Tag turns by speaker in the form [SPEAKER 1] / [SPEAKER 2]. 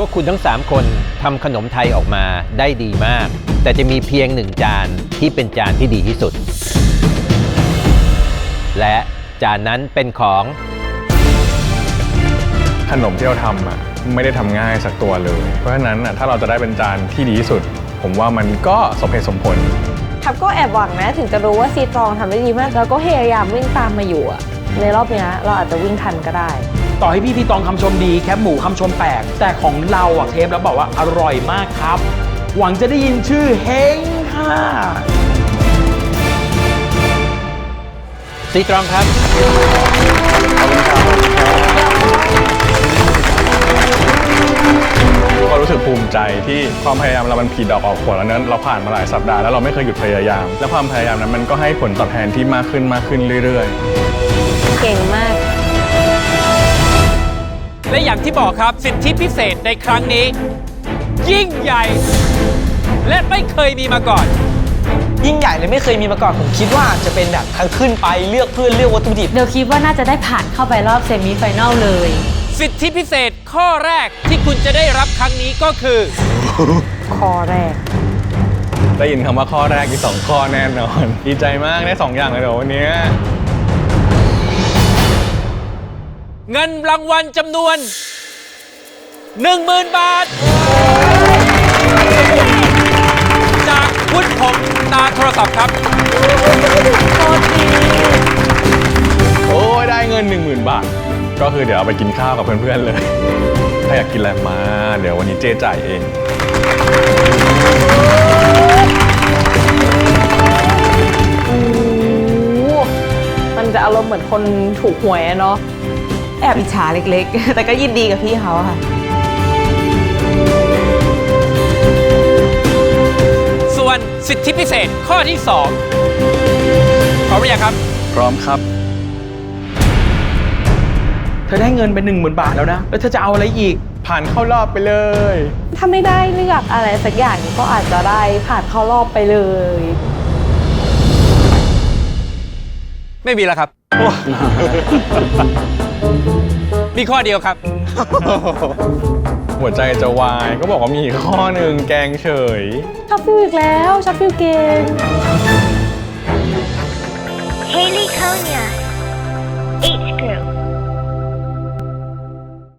[SPEAKER 1] วกคุณทั้ง3คนทำขนมไทยออกมาได้ดีมากแต่จะมีเพียง1จานที่เป็นจานที่ดีที่สุดและจานนั้นเป็นของ
[SPEAKER 2] ขนมที่เราทำไม่ได้ทำง่ายสักตัวเลยเพราะฉะนั้นถ้าเราจะได้เป็นจานที่ดีที่สุดผมว่ามันก็สมเหตุสมผล
[SPEAKER 3] ทับก็แอบหวังนะถึงจะรู้ว่าซีตรองทำได้ดีมากแล้วก็พยายามวิ่งตามมาอยู่ในรอบนี้เราอาจจะวิ่งทันก็ได้
[SPEAKER 4] ต่อให้พี่ซีตรองคำชมดีแคบหมูคำชมแปลกแต่ของเราเทปแล้วบอกว่าอร่อยมากครับหวังจะได้ยินชื่อเฮงค่ะ
[SPEAKER 1] ซีตรองครับ
[SPEAKER 2] ก็รู้สึกภูมิใจที่ความพยายามเรามันผลิดอกออกผลแล้วนั้นเราผ่านมาหลายสัปดาห์แล้วเราไม่เคยหยุดพยายามและความพยายามนั้นมันก็ให้ผลตอบแทนที่มากขึ้นเรื่อย
[SPEAKER 3] ๆเก่งมาก
[SPEAKER 5] และอย่างที่บอกครับสิทธิพิเศษในครั้งนี้ยิ่งใหญ่และไม่เคยมีมาก่อน
[SPEAKER 4] ยิ่งใหญ่เลยไม่เคยมีมาก่อนผมคิดว่าจะเป็นแบบทั้งขึ้นไปเลือกเพื่อนเลือกวัตถุดิบ
[SPEAKER 6] เดี๋ยวคิดว่าน่าจะได้ผ่านเข้าไปรอบเซมิไฟแนลเลย
[SPEAKER 5] สิทธิพิเศษข้อแรกที่คุณจะได้รับครั้งนี้ก็คือ
[SPEAKER 3] ข้อแรก
[SPEAKER 2] ได้ยินคำว่าข้อแรกมี2ข้อแน่นอนดีใจมากได้2อย่างเลยเดี๋ยววันนี้
[SPEAKER 5] เงินรางวัลจำนวน 10,000 บาทจากวุฒิพงษ์ตาโทรศัพท์ครับ
[SPEAKER 2] โอ้ยได้เงิน 10,000 บาทก็คือเดี๋ยวเอาไปกินข้าวกับเพื่อนๆเลยถ้าอยากกินอะไรมาเดี๋ยววันนี้เจ๊จ่ายเอง
[SPEAKER 3] มันจะอารมณ์เหมือนคนถูกหวยเนาะแอบอิจฉาเล็กๆแต่ก็ยินดีกับพี่เขาค่ะ
[SPEAKER 5] ส่วนสิทธิพิเศษข้อที่2พร้อมหรือยังครับ
[SPEAKER 2] พร้อมครับ
[SPEAKER 4] เธอได้เงินไป 10,000 บาทแล้วนะแล้วเธอจะเอาอะไรอีก
[SPEAKER 2] ผ่านเข้ารอบไปเลย
[SPEAKER 3] ถ้าไม่ได้เลือกอะไรสักอย่างก็อาจจะได้ผ่านเข้ารอบไปเลย
[SPEAKER 5] ไม่มีแล้วครับ มีข้อเดียวครับ
[SPEAKER 2] หัวใจจะวายก็บอกว่ามีข้อหนึ่งแกงเฉย
[SPEAKER 3] ชอบฟิวอีกแล้วชอบฟิวเกม
[SPEAKER 7] Haley Konya